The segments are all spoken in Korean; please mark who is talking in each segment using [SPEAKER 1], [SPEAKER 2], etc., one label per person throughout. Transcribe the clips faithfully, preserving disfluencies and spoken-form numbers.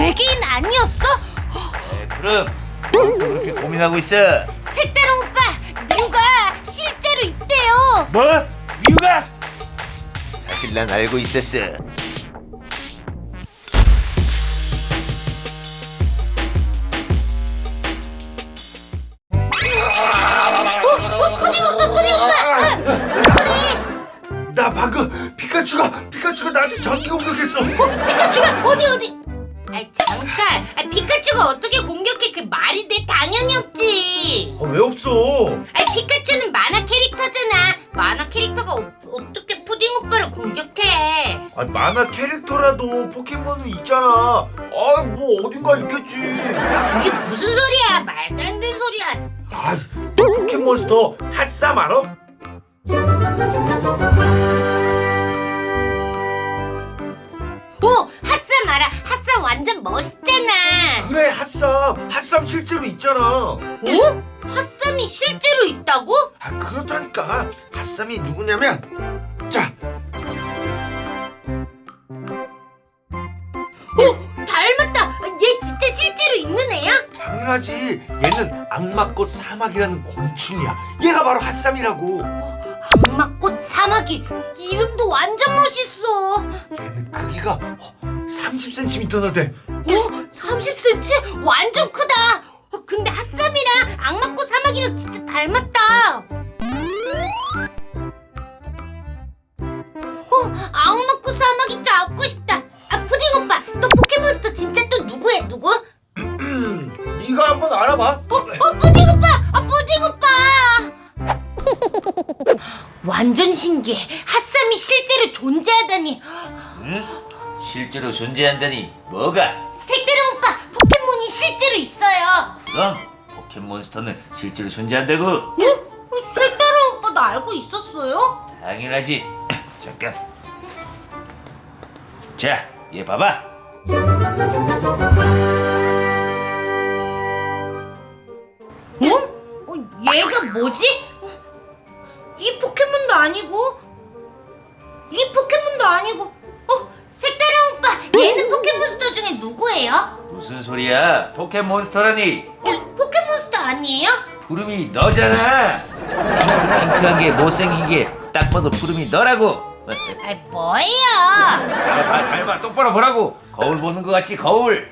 [SPEAKER 1] 외계인 아니었어?
[SPEAKER 2] 에, 그럼 뭘 또 그렇게 고민하고 있어?
[SPEAKER 1] 색다른 오빠, 뮤가 실제로 있대요.
[SPEAKER 2] 뭐? 미우가? 사실 난 알고 있었어.
[SPEAKER 1] 어, 푸딩 오빠, 푸딩 오빠.
[SPEAKER 3] 나 방금 피카츄가 피카츄가 나한테 전기 공격했어.
[SPEAKER 1] 피카츄가 어디 어디? 아이 잠깐, 아, 피카츄가 어떻게 공격해? 그 말이 돼? 당연히 없지.
[SPEAKER 3] 아, 왜 없어?
[SPEAKER 1] 아이 피카츄는 만화 캐릭터잖아. 만화 캐릭터가 어, 어떻게 푸딩 오빠를 공격해?
[SPEAKER 3] 아, 만화 캐릭터라도 포켓몬은 있잖아. 아, 뭐 어딘가 있겠지.
[SPEAKER 1] 그게 무슨 소리야? 말도 안 되는 소리야. 진짜.
[SPEAKER 3] 아, 너 포켓몬스터 핫삼 알아?
[SPEAKER 1] 오, 핫삼 알아? 핫삼 완전 멋있잖아.
[SPEAKER 3] 그래, 핫삼. 핫삼 실제로 있잖아.
[SPEAKER 1] 어? 핫삼이 실제로 있다고?
[SPEAKER 3] 아, 그렇다니까. 핫삼이 누구냐면, 자,
[SPEAKER 1] 어, 닮았다. 얘 진짜 실제로 있는 애야?
[SPEAKER 3] 당연하지. 얘는 악마꽃 사막이라는 곤충이야. 얘가 바로 핫삼이라고.
[SPEAKER 1] 악마꽃 사마귀. 이름도 완전 멋있어.
[SPEAKER 3] 얘는 크기가 삼십 센티미터나 돼.
[SPEAKER 1] 어? 삼십 센티미터? 완전 크다. 어, 근데 핫삼이랑 악마꽃 사마귀랑 진짜 닮았다. 어, 악마꽃 사마귀 갖고 싶다. 아, 푸딩 오빠, 또 포켓몬스터 진짜 또 누구야, 누구? 어,
[SPEAKER 3] 네가 한번 알아봐.
[SPEAKER 1] 어, 푸딩 오빠! 아, 푸딩 오빠! 완전 신기해. 핫삼이 실제로 존재하다니.
[SPEAKER 2] 응? 실제로 존재한다니 뭐가?
[SPEAKER 1] 색다른 오빠, 포켓몬이 실제로 있어요.
[SPEAKER 2] 그럼 포켓몬스터는 실제로 존재한다고?
[SPEAKER 1] 어? 색다른 오빠 나 알고 있었어요?
[SPEAKER 2] 당연하지. 잠깐. 자, 얘 봐봐.
[SPEAKER 1] 어? 어? 얘가 뭐지? 이 포켓몬도 아니고 이 포켓몬도 아니고 어? 색다른 오빠, 얘는 포켓몬스터 중에 누구예요?
[SPEAKER 2] 무슨 소리야? 포켓몬스터라니.
[SPEAKER 1] 어? 포켓몬스터 아니에요?
[SPEAKER 2] 푸름이 너잖아. 핑크한 게 못생긴 게 딱 봐도 푸름이 너라고.
[SPEAKER 1] 아, 뭐예요?
[SPEAKER 2] 잘 봐, 잘 봐, 똑바로 보라고. 거울 보는 거 같지, 거울.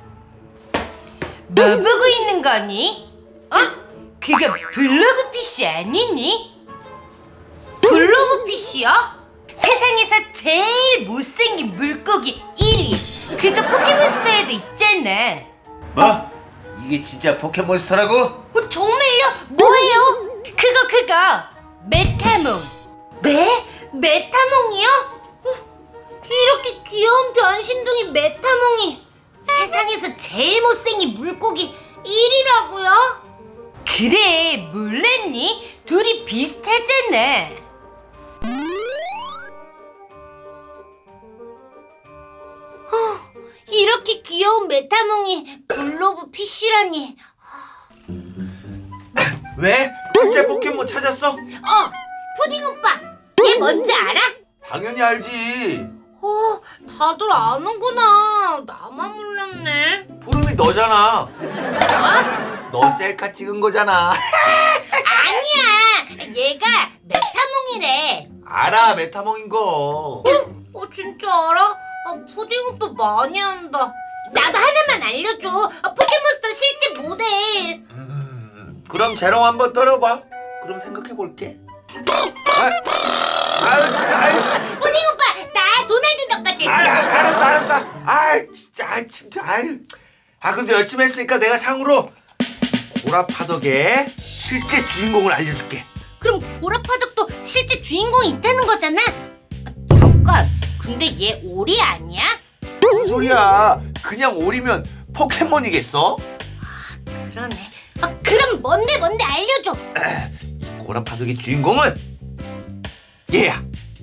[SPEAKER 1] 뭐 보고 있는 거니? 어? 그거 블로그피쉬 아니니? 블로그피쉬요? 세상에서 제일 못생긴 물고기 일 위. 그거 포켓몬스터에도 있잖아.
[SPEAKER 2] 뭐? 이게 진짜 포켓몬스터라고?
[SPEAKER 1] 어, 정말요? 뭐예요? 그거 그거 메타몽. 네? 메타몽이요? 어, 이렇게 귀여운 변신둥이 메타몽이 세상에서 제일 못생긴 물고기 일 위라고요? 그래, 몰랐니? 둘이 비슷하잖아. 어, 이렇게 귀여운 메타몽이 블로브 피쉬라니.
[SPEAKER 3] 왜? 실제 포켓몬 찾았어?
[SPEAKER 1] 어, 푸딩 오빠, 얘 뭔지 알아?
[SPEAKER 3] 당연히 알지.
[SPEAKER 1] 어, 다들 아는구나. 나만 몰랐네.
[SPEAKER 3] 푸름이 너잖아.
[SPEAKER 1] 어?
[SPEAKER 3] 너 셀카 찍은 거잖아.
[SPEAKER 1] 아니야. 얘가 메타몽이래.
[SPEAKER 3] 알아, 메타몽인 거.
[SPEAKER 1] 어, 진짜 알아? 아, 푸딩 오빠 많이 한다. 나도 하나만 알려줘. 아, 포켓몬스터 실제 모델.
[SPEAKER 3] 음, 그럼 재롱 한번 떨어봐. 그럼 생각해 볼게. 아, 아유, 아유,
[SPEAKER 1] 푸딩 오빠, 나 도날드 덕까지.
[SPEAKER 3] 아, 알았어, 알았어. 아, 진짜, 아, 진짜, 아유. 아, 근데 열심히 했으니까 내가 상으로 고라파덕의 실제 주인공을 알려줄게.
[SPEAKER 1] 그럼 보라파덕도 실제 주인공이 있다는 거잖아? 아, 잠깐, 근데 얘 오리 아니야?
[SPEAKER 3] 무슨 소리야? 그냥 오리면 포켓몬이겠어?
[SPEAKER 1] 그러네. 아, 그럼 뭔데 뭔데 알려줘.
[SPEAKER 3] 고라파덕의 주인공은 얘야.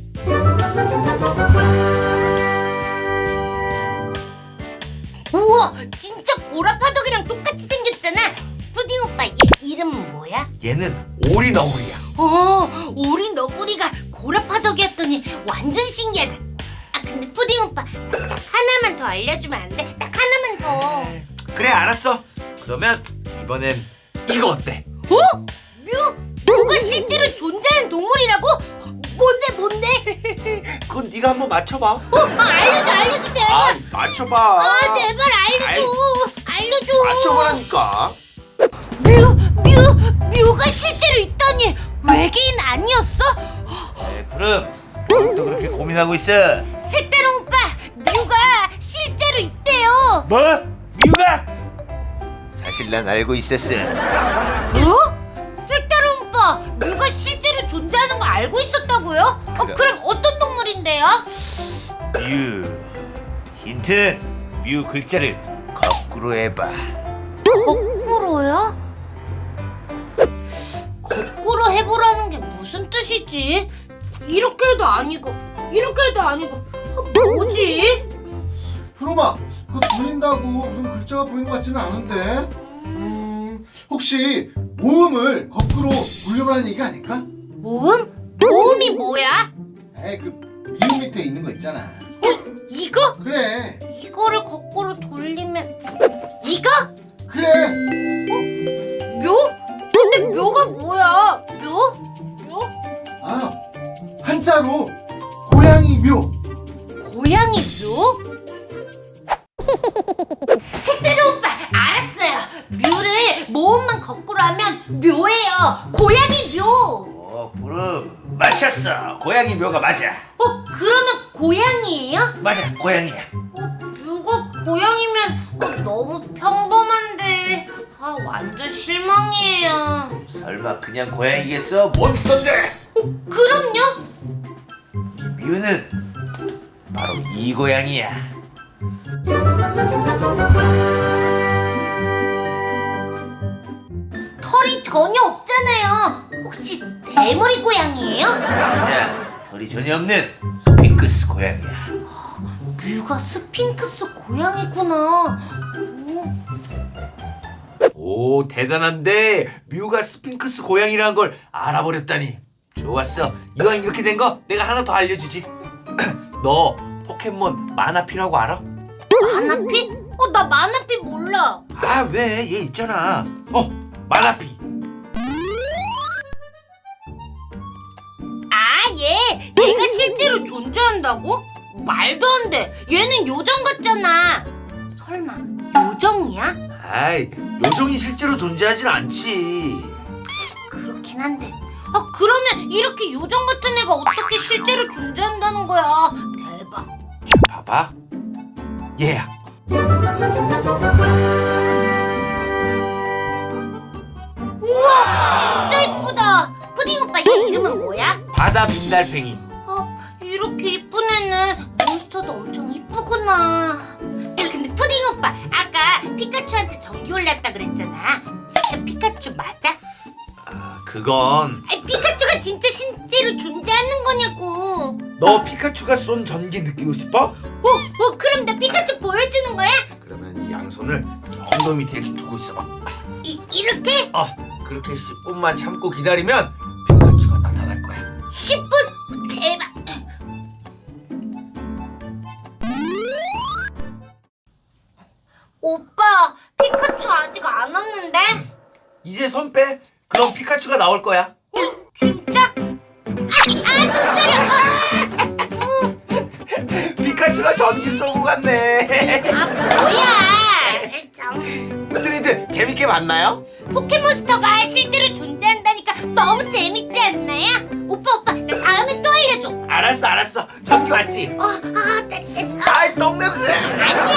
[SPEAKER 1] 우와, 진짜 보라파덕이랑 똑같이 생겼잖아. 푸딩 오빠, 얘 이름은 뭐야?
[SPEAKER 3] 얘는 오리 너구리야.
[SPEAKER 1] 어, 오리 너구리가 고라파덕이었더니 완전 신기하다. 아, 근데 푸딩 오빠, 하나만 더 알려주면 안 돼? 딱 하나만 더.
[SPEAKER 3] 그래 알았어. 그러면 이번엔 이거 어때?
[SPEAKER 1] 어? 묘? 묘가 실제로 존재하는 동물이라고? 뭔데 뭔데?
[SPEAKER 3] 그건 네가 한번 맞춰봐.
[SPEAKER 1] 어? 아, 알려줘 알려줘 제발.
[SPEAKER 3] 아 맞춰봐.
[SPEAKER 1] 아 제발 알려줘. 알려줘.
[SPEAKER 3] 맞춰보라니까.
[SPEAKER 1] 묘, 묘, 묘가 실제로 있다니 외계인 아니었어?
[SPEAKER 2] 네, 푸름 뭘 또 그렇게 고민하고 있어?
[SPEAKER 1] 색다른 오빠, 묘가 실제로 있대요.
[SPEAKER 2] 뭐? 미우가? 사실 난 알고 있었어.
[SPEAKER 1] 어? 색다른 오빠, 묘가 실제로 존재하는 거 알고 있었다고요? 어,
[SPEAKER 2] 그럼.
[SPEAKER 1] 그럼 어떤 동물인데요?
[SPEAKER 2] 뮤. 힌트는 뮤 글자를 거꾸로 해봐.
[SPEAKER 1] 거꾸로요? 거꾸로 해보라는 게 무슨 뜻이지? 이렇게 해도 아니고 이렇게 해도 아니고 어, 뭐지?
[SPEAKER 4] 프로마, 그거 돌린다고 무슨 글자가 보이는 것 같지는 않은데. 음, 혹시 모음을 거꾸로 돌려보라는 얘기 아닐까?
[SPEAKER 1] 모음? 모음이 뭐야?
[SPEAKER 4] 에이, 그 미음 밑에 있는 거 있잖아.
[SPEAKER 1] 어? 이거?
[SPEAKER 4] 그래,
[SPEAKER 1] 이거를 거꾸로 돌리면 이거?
[SPEAKER 4] 그래.
[SPEAKER 1] 묘? 근데 묘가 뭐야? 묘? 묘?
[SPEAKER 4] 아, 한자로 고양이 묘.
[SPEAKER 1] 고양이 묘? 색다른 오빠 알았어요. 묘를 모음만 거꾸로 하면 묘예요. 고양이 묘.
[SPEAKER 2] 어, 푸름 맞췄어. 고양이 묘가 맞아.
[SPEAKER 1] 어 그러면 고양이에요?
[SPEAKER 2] 맞아, 고양이야.
[SPEAKER 1] 어 묘가 고양이면 어, 너무 평범한데 아 완전 실망이에요.
[SPEAKER 2] 설마 그냥 고양이겠어? 몬스터인데.
[SPEAKER 1] 어 그럼요.
[SPEAKER 2] 뮤는 바로 이 고양이야.
[SPEAKER 1] 털이 전혀 없잖아요. 혹시 대머리 고양이에요?
[SPEAKER 2] 맞아, 털이 전혀 없는 스핑크스 고양이야.
[SPEAKER 1] 뮤가 스핑크스 고양이구나. 오.
[SPEAKER 3] 오 대단한데 뮤가 스핑크스 고양이라는 걸 알아버렸다니. 좋았어. 이왕 이렇게 된 거 내가 하나 더 알려주지. 너 포켓몬 마나피라고 알아?
[SPEAKER 1] 마나피? 어, 나 마나피 몰라.
[SPEAKER 3] 아 왜? 얘 있잖아. 어 마나피.
[SPEAKER 1] 아, 얘. 얘가 실제로 존재한다고? 말도 안 돼. 얘는 요정 같잖아. 설마 요정이야?
[SPEAKER 3] 아이 요정이 실제로 존재하진 않지.
[SPEAKER 1] 그렇긴 한데. 아, 그러면 이렇게 요정 같은 애가 어떻게 실제로 존재한다는 거야? 대박.
[SPEAKER 3] 자 봐봐. 얘야.
[SPEAKER 1] 우와, 진짜 이쁘다. 푸딩 오빠 얘 이름은 뭐야?
[SPEAKER 3] 바다 민달팽이.
[SPEAKER 1] 어, 이렇게 이쁜 애는 몬스터도 엄청 이쁘구나. 근데 푸딩 오빠, 아까 피카츄한테 전기 올랐다 그랬잖아. 진짜 피카츄 맞아?
[SPEAKER 3] 아 그건
[SPEAKER 1] 아니, 피카츄가 진짜 실제로 존재하는 거냐고.
[SPEAKER 3] 너 피카츄가 쏜 전기 느끼고 싶어?
[SPEAKER 1] 어, 어, 그럼 나 피카츄 보여주는 거야?
[SPEAKER 3] 그러면 이 양손을 엉덩이 밑에 이렇게 두고 있어봐.
[SPEAKER 1] 이, 이렇게?
[SPEAKER 3] 어 그렇게 십 분만 참고 기다리면 피카츄가 나타날 거야.
[SPEAKER 1] 십 분? 대박. 오빠, 피카츄 아직 안 왔는데?
[SPEAKER 3] 이제 손 빼. 그럼 피카츄가 나올 거야.
[SPEAKER 1] 어, 진짜? 아, 아, 손 때려.
[SPEAKER 3] 피카츄가 전기 쏘고 갔네.
[SPEAKER 1] 아, 뭐야. 참.
[SPEAKER 3] 어떻게들 재밌게 봤나요?
[SPEAKER 1] 포켓몬스터가 실제로 존재한다니까 너무 재밌지 않나요? 오빠, 오빠, 나 다음에 또 알려줘.
[SPEAKER 3] 알았어 알았어. 전기 왔지?
[SPEAKER 1] 어, 아, 짜, 짜, 아,
[SPEAKER 3] 아이 똥냄새.
[SPEAKER 1] 아니야.